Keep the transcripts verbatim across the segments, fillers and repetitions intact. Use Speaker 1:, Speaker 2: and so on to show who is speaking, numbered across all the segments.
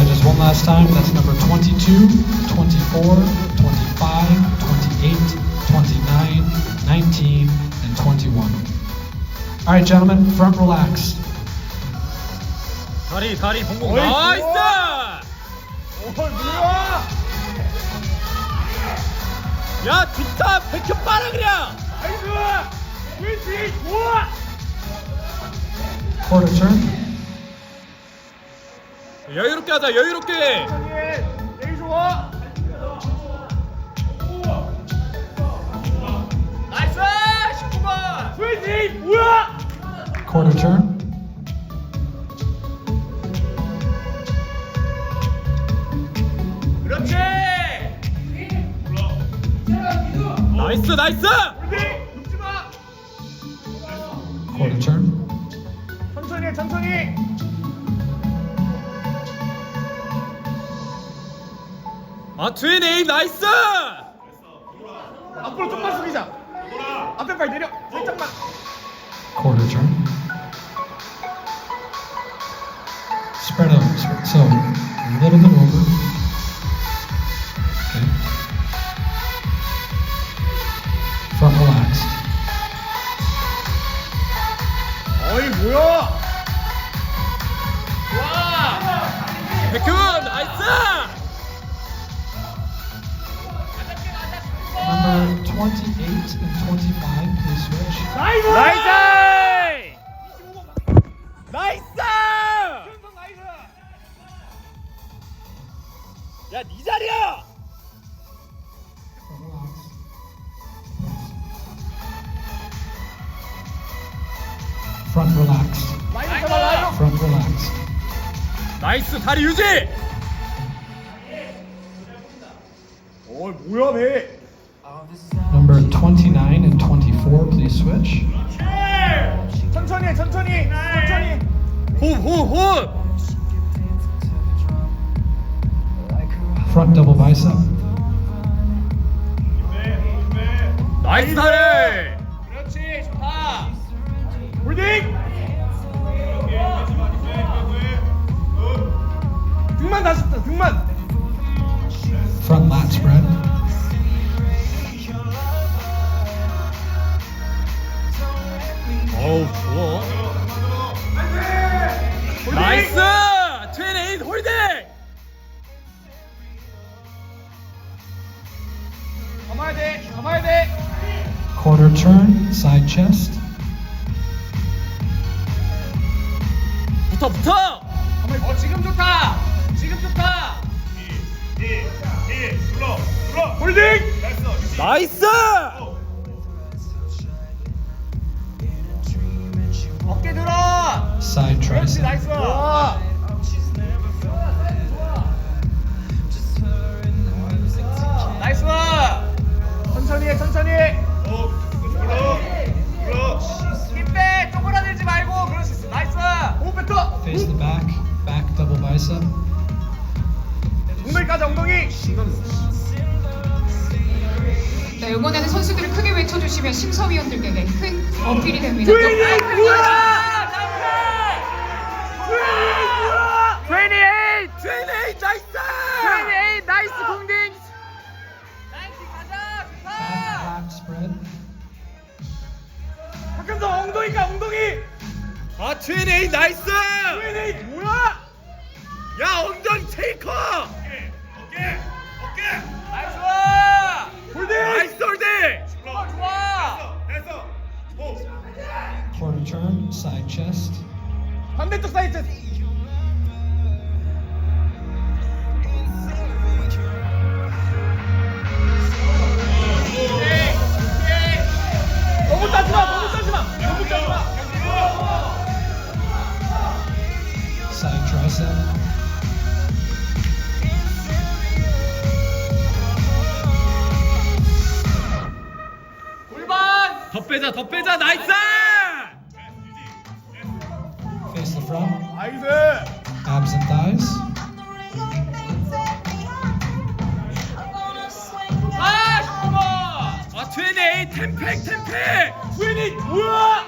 Speaker 1: Judges, one last time. That's number twenty-two, twenty-four, twenty-five, twenty-eight, twenty-nine, nineteen, and twenty-one. All right, gentlemen, front relax.
Speaker 2: 다리 다리 봉봉
Speaker 3: 어이,
Speaker 2: 나이스!
Speaker 3: 좋아. 어, 뭐야?
Speaker 2: 야 좋다 백현 빨아 그냥!
Speaker 3: 나이스! 윈지 좋아!
Speaker 1: Quarter turn.
Speaker 2: 여유롭게 하자 여유롭게!
Speaker 3: 천천히 내기 좋아! 나이스! 십구 번! 윈지 뭐야?
Speaker 1: Quarter turn.
Speaker 3: 그렇지!
Speaker 2: 나이스 나이스!
Speaker 3: 윈지 눕지 마!
Speaker 1: Quarter turn.
Speaker 3: 천천히 해, 천천히!
Speaker 2: 아 트윈 에이 나이스!
Speaker 3: 앞으로 좀만 숙이자. 앞에 발 내려. 살짝만.
Speaker 1: Quarter turn. Spread out. spread- So, a little bit over. Okay. Front relaxed.
Speaker 3: 어이 뭐야? 좋아.
Speaker 2: 백현 나이스!
Speaker 1: Number twenty-eight and twenty-five, please switch.
Speaker 3: 나이스.
Speaker 2: 나이스!
Speaker 3: 이십오 번.
Speaker 2: 나이스!
Speaker 3: 현성 나이스.
Speaker 2: 야 네 자리야!
Speaker 1: Front relaxed.
Speaker 3: 라이너 잡아 라이너.
Speaker 1: Front relaxed.
Speaker 2: 나이스 다리 유지!
Speaker 3: 어이 뭐야 배?
Speaker 1: Number twenty-nine and twenty-four, please switch.
Speaker 3: 천천히 해, 천천히 천천히.
Speaker 2: 호흡 호흡!
Speaker 1: Front double bicep.
Speaker 2: 나이스 다리!
Speaker 3: 그렇지 좋다. 홀딩. 등만 다시 다 등만.
Speaker 1: Front lat spread.
Speaker 2: 어우 좋아
Speaker 3: 홀딩.
Speaker 2: 나이스! 트윈 에이 홀딩!
Speaker 3: 감아야 돼 감아야 돼.
Speaker 1: Quarter turn, side chest.
Speaker 2: 붙어 붙어!
Speaker 3: 어 지금 좋다. 지금 좋다. 홀딩.
Speaker 2: 나이스!
Speaker 3: 어깨 들어.
Speaker 1: Side
Speaker 3: 그렇지
Speaker 1: tricep.
Speaker 3: 나이스. 좋아. 나이스. 천천히 해 천천히 해. 힘빼 쪼그라들지 말고 그렇지 나이스. 호흡 뱉어.
Speaker 1: Face the back. Back double bicep.
Speaker 3: 엉덩이 까지 엉덩이.
Speaker 4: 네, 응원하는 선수들을 크게 외쳐주시면 심사위원들에게 큰 어필이 됩니다.
Speaker 3: 트윈이
Speaker 4: 또-
Speaker 3: 뭐야? 트윈이 에잇.
Speaker 2: 트윈 에이 나이스!
Speaker 3: 트윈이 에잇 나이스 공딩. 나이스 가자
Speaker 1: Back lat spread.
Speaker 3: 박현성 엉덩이 까 엉덩이.
Speaker 2: 아 트윈 에이 나이스!
Speaker 3: 트윈이 에잇 뭐야?
Speaker 2: 야 엉덩이 테이커!
Speaker 3: 나이스. 홀딩.
Speaker 2: 나이스 홀딩!
Speaker 3: 좋아 좋아.
Speaker 1: Quarter turn, side chest.
Speaker 3: 반대쪽 사이드. 너무 짜지 마, 너무 짜지 마, 너무 짜지 마.
Speaker 1: Side tricep.
Speaker 3: 골반.
Speaker 2: 더 빼자 더 빼자 나이스!
Speaker 1: Face the front.
Speaker 3: 나이스.
Speaker 1: Abs and thighs.
Speaker 3: 아, 십구 번.
Speaker 2: 아 트윈 에이 템팩 템팩!
Speaker 3: 트윈이 뭐야?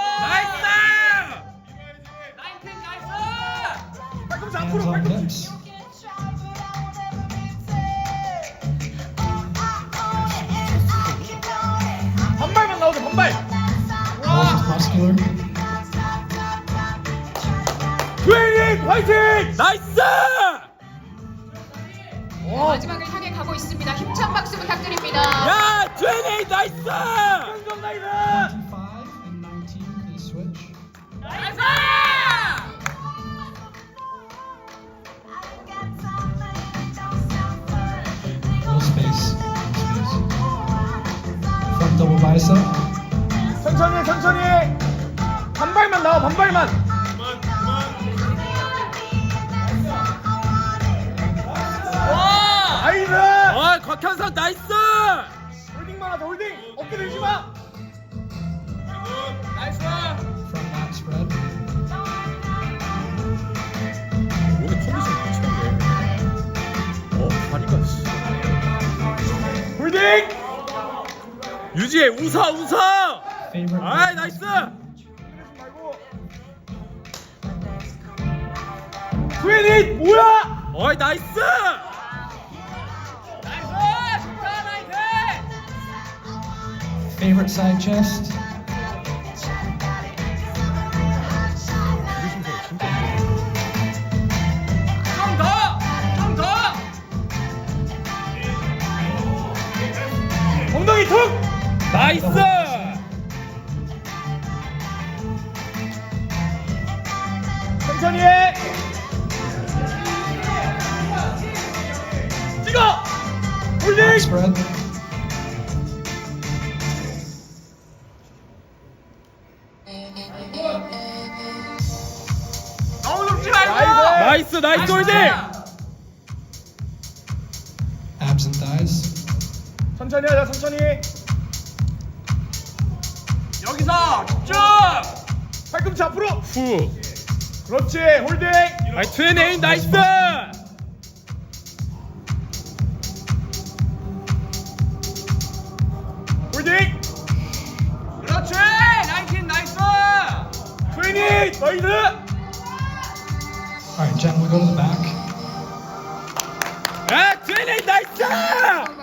Speaker 2: 나이스!
Speaker 3: 나인틴 나이스. 팔꿈치
Speaker 1: Hands
Speaker 3: 앞으로
Speaker 1: on
Speaker 3: 팔꿈치.
Speaker 1: hips.
Speaker 3: 반발.
Speaker 1: Most muscular.
Speaker 3: 트웨이닝 화이팅.
Speaker 2: 나이스!
Speaker 4: 네, 마지막을 향해 가고 있습니다. 힘찬 박수 부탁드립니다.
Speaker 2: 야, 이십팔 나이스!
Speaker 3: 성공 나이스.
Speaker 1: twenty-five and nineteen, please switch.
Speaker 3: 나이스.
Speaker 1: No space. No space. Front double bicep.
Speaker 3: 천천히 천천히. 반발만 나와 반발만. 와. 나이스.
Speaker 2: 어, 곽현석 나이스!
Speaker 3: 홀딩만 하자 홀딩. 어깨 들지 마. 나이스.
Speaker 1: Front back spread.
Speaker 2: 오늘 컨디션 미쳤네. 어, 다리가 씨.
Speaker 3: 홀딩.
Speaker 2: 유지해, 웃어, 웃어!
Speaker 1: Favorite.
Speaker 2: 아이, 나이스!
Speaker 3: 트웨이닝 뭐야?
Speaker 2: 어이, 나이스!
Speaker 3: 나이스. 진짜 나이스.
Speaker 1: Favorite side chest.
Speaker 3: 좀 더. 좀 더. 엉덩이 툭.
Speaker 2: 나이스!
Speaker 3: 천천히 해. 찍어. 홀딩.
Speaker 1: Back spread.
Speaker 3: 너무 높지 말고.
Speaker 2: 나이스, 나이스 홀딩!
Speaker 1: Abs and thighs.
Speaker 3: 천천히 하자 천천히. 여기서 쭉. 팔꿈치 앞으로.
Speaker 2: 후.
Speaker 3: 그렇지 홀딩.
Speaker 2: 아이, 이십팔 나이스!
Speaker 3: 홀딩. 그렇지. 나이스 나이스. 트웨이닝 나이스.
Speaker 1: All right, gentlemen, go to the back.
Speaker 2: 야, 이십팔 나이스!